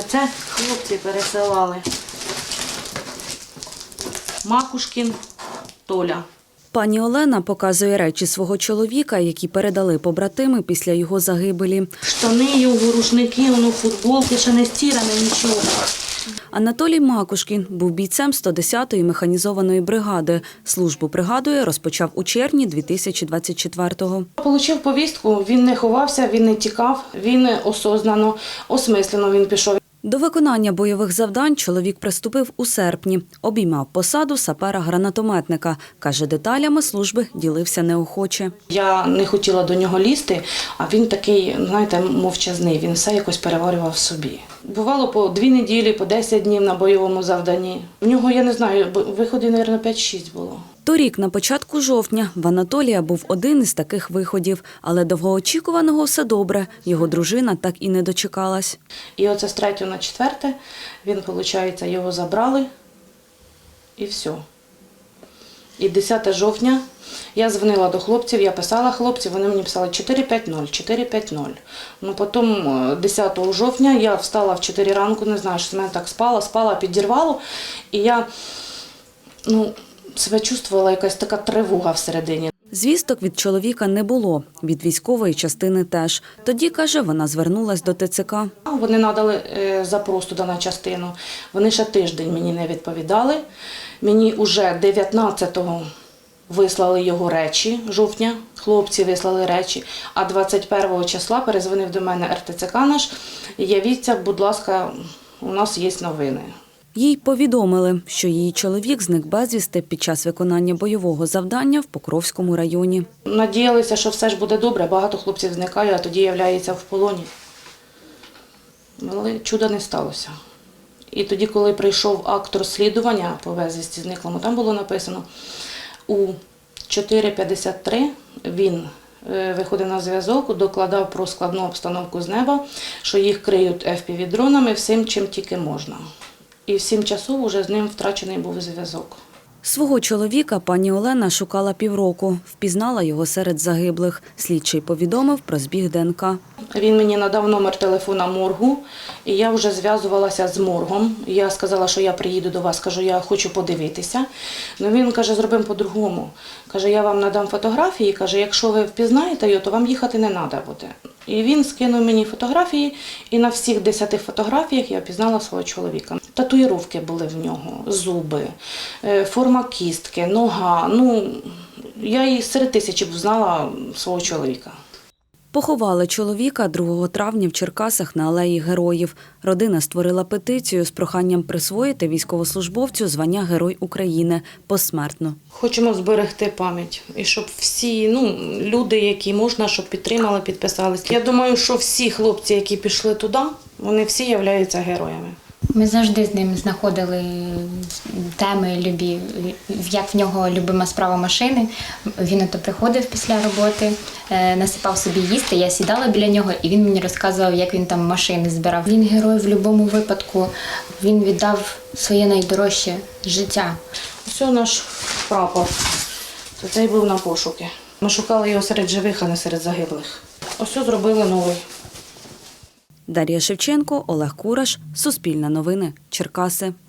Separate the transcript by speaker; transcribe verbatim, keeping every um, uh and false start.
Speaker 1: Оце хлопці пересилали. Макушкін Толя.
Speaker 2: Пані Олена показує речі свого чоловіка, які передали побратими після його загибелі.
Speaker 1: Штани його, рушники, воно футболки, ще не стиране, нічого.
Speaker 2: Анатолій Макушкін був бійцем сто десятої механізованої бригади. Службу, пригадує, розпочав у червні дві тисячі двадцять четвертого.
Speaker 1: Получив повістку, він не ховався, він не тікав, він осознано, осмислено він пішов.
Speaker 2: До виконання бойових завдань чоловік приступив у серпні. Обіймав посаду сапера-гранатометника. Каже, деталями служби ділився неохоче.
Speaker 1: Я не хотіла до нього лізти, а він такий, знаєте, мовчазний, він все якось переварював в собі. Бувало по дві неділі, по десять днів на бойовому завданні. В нього, я не знаю, виходів, мабуть, п'ять-шість було.
Speaker 2: Торік, на початку жовтня, в Анатолія був один із таких виходів. Але довгоочікуваного все добре. Його дружина так і не дочекалась.
Speaker 1: І оце з третього на четверте, він, виходить, його забрали і все. І десяте жовтня я дзвонила до хлопців, я писала хлопців, вони мені писали чотири п'ять нуль, чотири п'ять нуль. Ну, потім десятого жовтня я встала в чотири ранку, не знаю, що з мене так спала, спала, підірвало. І я, ну, себе чувствувала якась така тривога всередині.
Speaker 2: Звісток від чоловіка не було, від військової частини теж. Тоді, каже, вона звернулась до Те Це Ка.
Speaker 1: Вони надали запрос туди на частину. Вони ще тиждень мені не відповідали. Мені вже дев'ятнадцятого вислали його речі, жовтня, хлопці вислали речі, а двадцять першого числа перезвонив до мене Ер Те Це Ка наш, явіться, будь ласка, у нас є новини.
Speaker 2: Їй повідомили, що її чоловік зник безвісти під час виконання бойового завдання в Покровському районі.
Speaker 1: Надіялися, що все ж буде добре, багато хлопців зникає, а тоді являється в полоні. Але чуда не сталося. І тоді, коли прийшов акт розслідування по безвісті зниклому, там було написано, у чотири п'ятдесят три він виходив на зв'язок, докладав про складну обстановку з неба, що їх криють еф пі ві-дронами всім, чим тільки можна. І в сім часов уже з ним втрачений був зв'язок.
Speaker 2: Свого чоловіка пані Олена шукала півроку. Впізнала його серед загиблих. Слідчий повідомив про збіг Де Ен Ка.
Speaker 1: Він мені надав номер телефона моргу, і я вже зв'язувалася з моргом. Я сказала, що я приїду до вас, кажу, я хочу подивитися. Ну, він каже, зробимо по-другому. Каже, я вам надам фотографії, каже, якщо ви впізнаєте його, то вам їхати не треба буде. І він скинув мені фотографії, і на всіх десяти фотографіях я впізнала свого чоловіка. Татуїровки були в нього, зуби, форма кістки, нога. Ну, я і серед тисячі взнала свого чоловіка.
Speaker 2: Поховали чоловіка другого травня в Черкасах на Алеї Героїв. Родина створила петицію з проханням присвоїти військовослужбовцю звання Герой України посмертно.
Speaker 1: Хочемо зберегти пам'ять і щоб всі, ну, люди, які можна, щоб підтримали, підписались. Я думаю, що всі хлопці, які пішли туди, вони всі являються героями.
Speaker 3: Ми завжди з ним знаходили теми любі, як в нього любима справа машини. Він ото приходив після роботи, насипав собі їсти, я сідала біля нього, і він мені розказував, як він там машини збирав. Він герой в будь-якому випадку, він віддав своє найдорожче життя.
Speaker 1: Ось наш прапор, цей був на пошуки. Ми шукали його серед живих, а не серед загиблих. Ось зробили новий.
Speaker 2: Дар'я Шевченко, Олег Кураш, Суспільне новини, Черкаси.